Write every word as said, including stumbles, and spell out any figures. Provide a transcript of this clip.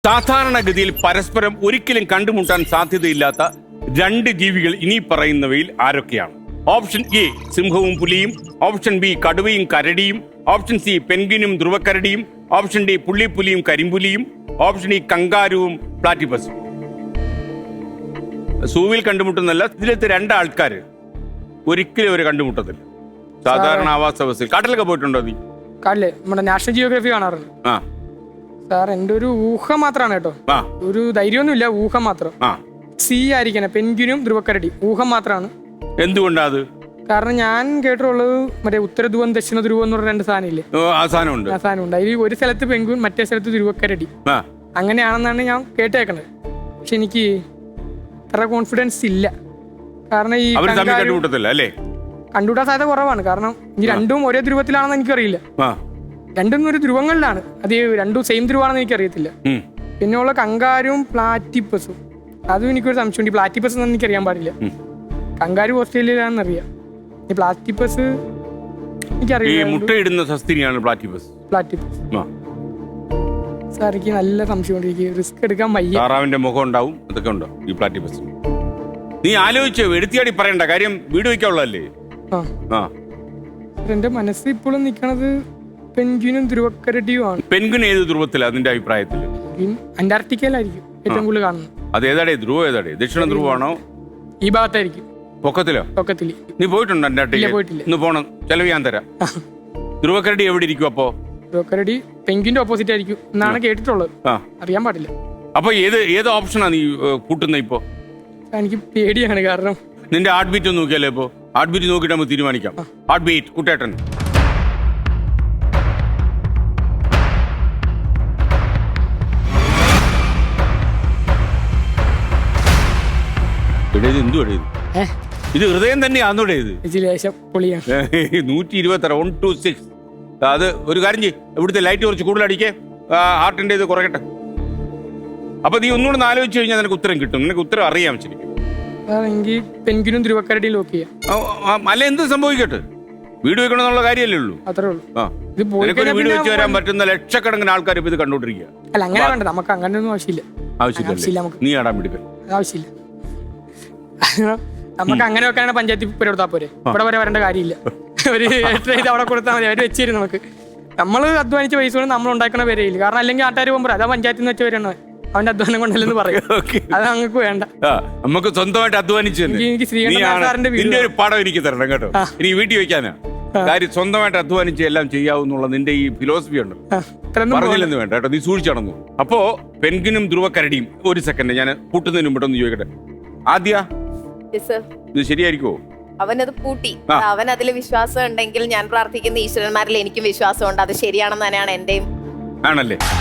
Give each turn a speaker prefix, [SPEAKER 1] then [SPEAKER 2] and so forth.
[SPEAKER 1] സാധാരണഗതിയിൽ പരസ്പരം ഒരിക്കലും കണ്ടുമുട്ടാൻ സാധ്യതയില്ലാത്ത രണ്ട് ജീവികൾ ഇനി പറയുന്നവയിൽ ആരൊക്കെയാണ്? ഓപ്ഷൻ എ സിംഹവും പുലിയും, ഓപ്ഷൻ ബി കടുവയും കരടിയും, ഓപ്ഷൻ സി പെൻഗ്വിനും ധ്രുവക്കരടിയും, ഓപ്ഷൻ ഡി പുള്ളിപ്പുലിയും കരിമ്പുലിയും, ഓപ്ഷൻ ഇ കങ്കാരുവും പ്ലാറ്റിപ്പസും. സൂവിൽ കണ്ടുമുട്ടുന്നല്ല, ഇതിലത്തെ രണ്ടാൾക്കാർ ഒരിക്കലും ഒരു കണ്ടുമുട്ടത്തില്ല. സാധാരണ ആവാസ വ്യവസ്ഥയിൽ. കാട്ടിലൊക്കെ പോയിട്ടുണ്ടോ നീ?
[SPEAKER 2] കാട്ടില് നമ്മുടെ നാഷണൽ ജിയോഗ്രഫി കാണാറുണ്ട്.
[SPEAKER 1] ആ
[SPEAKER 2] സാർ എന്റെ ഒരു ഊഹം മാത്രമാണ് കേട്ടോ, ഒരു ധൈര്യമൊന്നുമില്ല, ഊഹം മാത്രം. സി ആയിരിക്കണം, പെൻഗ്വിനും ധ്രുവക്കരടി. ഊഹം മാത്രമാണ്.
[SPEAKER 1] എന്തുകൊണ്ടാ അത്?
[SPEAKER 2] കാരണം ഞാൻ കേട്ടിട്ടുള്ളത് മറ്റേ ഉത്തര ധ്രുവം ദക്ഷിണ ധ്രുവം എന്ന് പറഞ്ഞ രണ്ട് സാധനം ഇല്ലേ, ആ സാധനം ഉണ്ട്. അതിൽ ഒരു സ്ഥലത്ത് പെൻഗ്വിൻ, മറ്റേ സ്ഥലത്ത് ധ്രുവക്കരടി. അങ്ങനെയാണെന്നാണ് ഞാൻ കേട്ടേക്കണത്. പക്ഷെ എനിക്ക് അത്ര കോൺഫിഡൻസ് ഇല്ല. കാരണം ഈ കണ്ടുകൂട്ടാൻ സാധ്യത കുറവാണ്. കാരണം ഈ രണ്ടും ഒരേ ധ്രുവത്തിലാണെന്ന് എനിക്കറിയില്ല. രണ്ടും ഒരു ധ്രുവങ്ങളിലാണ്, അത് രണ്ടും സെയിം ധ്രുവാണെന്ന് എനിക്കറിയത്തില്ല. പിന്നെ ഉള്ള കങ്കാരും പ്ലാറ്റിപ്പസും, അതും എനിക്കൊരു സംശയമുണ്ട്. പ്ലാറ്റിപ്പസ് എന്ന് എനിക്കറിയാൻ പാടില്ല. കങ്കാരു ഓസ്ട്രേലിയയിലാണെന്ന് അറിയാം. ഈ പ്ലാറ്റിപ്പസ് എനിക്കറിയില്ല.
[SPEAKER 1] മുട്ടയിടുന്ന സസ്തിനിയാണ് പ്ലാറ്റിപ്പസ്.
[SPEAKER 2] പ്ലാറ്റിപ്പസ് സാർ എനിക്ക് നല്ല സംശയമുണ്ട്. എനിക്ക് റിസ്ക് എടുക്കാൻ വയ്യ.
[SPEAKER 1] താറാവിന്റെ മുഖം ഉണ്ടാവും, അതൊക്കെ ഉണ്ടോ ഈ പ്ലാറ്റിപ്പസ്? നീ ആലോചിച്ചോ, എടുത്തിയാടി പറയണ്ട കാര്യം, വീട് വയ്ക്കാനുള്ളതല്ലേ.
[SPEAKER 2] ആ എന്റെ മനസ്സിൽ ഇപ്പോഴും നിൽക്കണത് പെൻഗ്വിനും ധ്രുവക്കരടിയുമാണ്.
[SPEAKER 1] പെൻഗ്വിൻ ഏത് ധ്രുവത്തിലാണ് അതിന്റെ അഭിപ്രായത്തിൽ?
[SPEAKER 2] അന്റാർട്ടിക്കയിലായിരിക്കും ഏറ്റവും കൂടുതൽ കാണുന്നത്.
[SPEAKER 1] അത് ഏതാടേ ധ്രുവം? ഏതാടേ? ദക്ഷിണ ധ്രുവമാണോ?
[SPEAKER 2] ഈ ഭാഗത്തായിരിക്കും.
[SPEAKER 1] പൊക്കത്തിലോ?
[SPEAKER 2] പൊക്കത്തില്.
[SPEAKER 1] നീ പോയിട്ടുണ്ടോ അന്റാർട്ടിക്ക?
[SPEAKER 2] പോയിട്ടില്ല.
[SPEAKER 1] ഇന്ന് പോണം, ചെലവ് ഞാൻ തരാം. ധ്രുവക്കരടി എവിടെ ഇരിക്കും അപ്പോ?
[SPEAKER 2] ധ്രുവക്കരടി പെൻഗ്വിന്റെ ഓപ്പോസിറ്റ് ആയിരിക്കും എന്നാണ് കേട്ടിട്ടുള്ളത്. അറിയാൻ പാടില്ല.
[SPEAKER 1] അപ്പൊ ഏത് ഏത് ഓപ്ഷനാ നീ കൂട്ടുന്ന ഇപ്പോ?
[SPEAKER 2] എനിക്ക് പേടിയാണ്. കാരണം
[SPEAKER 1] നിന്റെ ഹാർട്ട് ബീറ്റ് ഒന്ന് നോക്കിയാലേ. ഇപ്പോ ഹാർട്ട് ബീറ്റ് നോക്കിയിട്ട് നമുക്ക് തീരുമാനിക്കാം. ഹാർട്ട് ബീറ്റ് കുട്ടേട്ടൻ. ഇത് ഹൃദയം തന്നെയാന്നൂടെ? ഇത് നൂറ്റി ഇരുപത്തി ആറ് വൺ ടു സിക്സ്. അത് ഒരു കാര്യം ചെയ്യ്, ഇവിടുത്തെ ലൈറ്റ് കുറച്ച് കൂടുതൽ അടിക്കേ, ഹാർട്ടിന്റെ ഇത് കുറയട്ടെ. അപ്പൊ നീ ഒന്നുകൂടെ ആലോചിച്ച് കഴിഞ്ഞാൽ നിനക്ക് ഉത്തരം കിട്ടും. നിനക്ക് ഉത്തരം അറിയാം ശരിക്കും.
[SPEAKER 2] പെൻഗ്വിനും ധ്രുവക്കരടിയും ലോക്ക് ചെയ്യാം.
[SPEAKER 1] അല്ല, എന്ത് സംഭവിക്കട്ടെ, വീട് വെക്കണമെന്നുള്ള കാര്യമല്ലേ ഉള്ളൂ.
[SPEAKER 2] അത്രേ ഉള്ളൂ.
[SPEAKER 1] വീട് വെച്ച് വരാൻ പറ്റുന്ന ലക്ഷക്കണക്കിന് ആൾക്കാർ ഇപ്പൊ ഇത് കണ്ടോണ്ടിരിക്കുക.
[SPEAKER 2] അല്ല, അങ്ങനെ വേണ്ട, നമുക്ക് അങ്ങനെ ഒന്നും ആവശ്യമില്ല.
[SPEAKER 1] ആവശ്യമില്ല. നീ ആടാൻ പിടിക്കും
[SPEAKER 2] ആവശ്യമില്ല. നമുക്ക് അങ്ങനെ വെക്കാനാണ് പഞ്ചായത്തിൽ പേര് കൊടുത്താൽ പോരെ. ഇവിടെ വരെ വരേണ്ട കാര്യമില്ല. ഒരു ഇത് അവിടെ കൊടുത്താൽ മതി, അവർ വെച്ചിരുന്നു. നമുക്ക് നമ്മൾ അധ്വാനിച്ച പൈസ കൊണ്ട് നമ്മൾ ഉണ്ടാക്കുന്ന പേരയില്ല. കാരണം അല്ലെങ്കിൽ ആട്ടാർ പോകുമ്പോൾ അതാ പഞ്ചായത്തിൽ നിന്ന് വെച്ച പേരാണ്, അവന്റെ അധ്വാനം കൊണ്ടല്ലെന്ന് പറയും. അത് നമുക്ക് വേണ്ട.
[SPEAKER 1] നമുക്ക് സ്വന്തമായിട്ട് അധ്വാനിച്ചു.
[SPEAKER 2] എനിക്ക് ശ്രീകണ്ഠൻ സാറിന്റെ
[SPEAKER 1] ഒരു പടം എനിക്ക് തരണം കേട്ടോ. ഇനി വീട്ടിൽ വെക്കാനാ കാര്യം. സ്വന്തമായിട്ട് അധ്വാനിച്ച് എല്ലാം ചെയ്യാവുന്നുള്ള നിന്റെ ഈ ഫിലോസഫി ഉണ്ട്, പറഞ്ഞില്ലെന്ന് വേണ്ട കേട്ടോ. നീ സൂക്ഷിച്ചടന്നു. അപ്പോ പെൻഗ്വിനും ധ്രുവക്കരടിയും. ഒരു സെക്കൻഡ്, ഞാൻ കൂട്ടുന്നതിന് മുമ്പ് ചോദിക്കട്ടെ. ആദ്യ ഇത് ശരിയായിരിക്കുമോ?
[SPEAKER 3] അവനത് പൂട്ടി. അവൻ അതിൽ വിശ്വാസം ഉണ്ടെങ്കിൽ ഞാൻ പ്രാർത്ഥിക്കുന്ന ഈശ്വരന്മാരിൽ എനിക്കും വിശ്വാസമുണ്ട്. അത് ശരിയാണെന്ന് തന്നെയാണ് എന്റെയും.
[SPEAKER 1] ആണല്ലേ?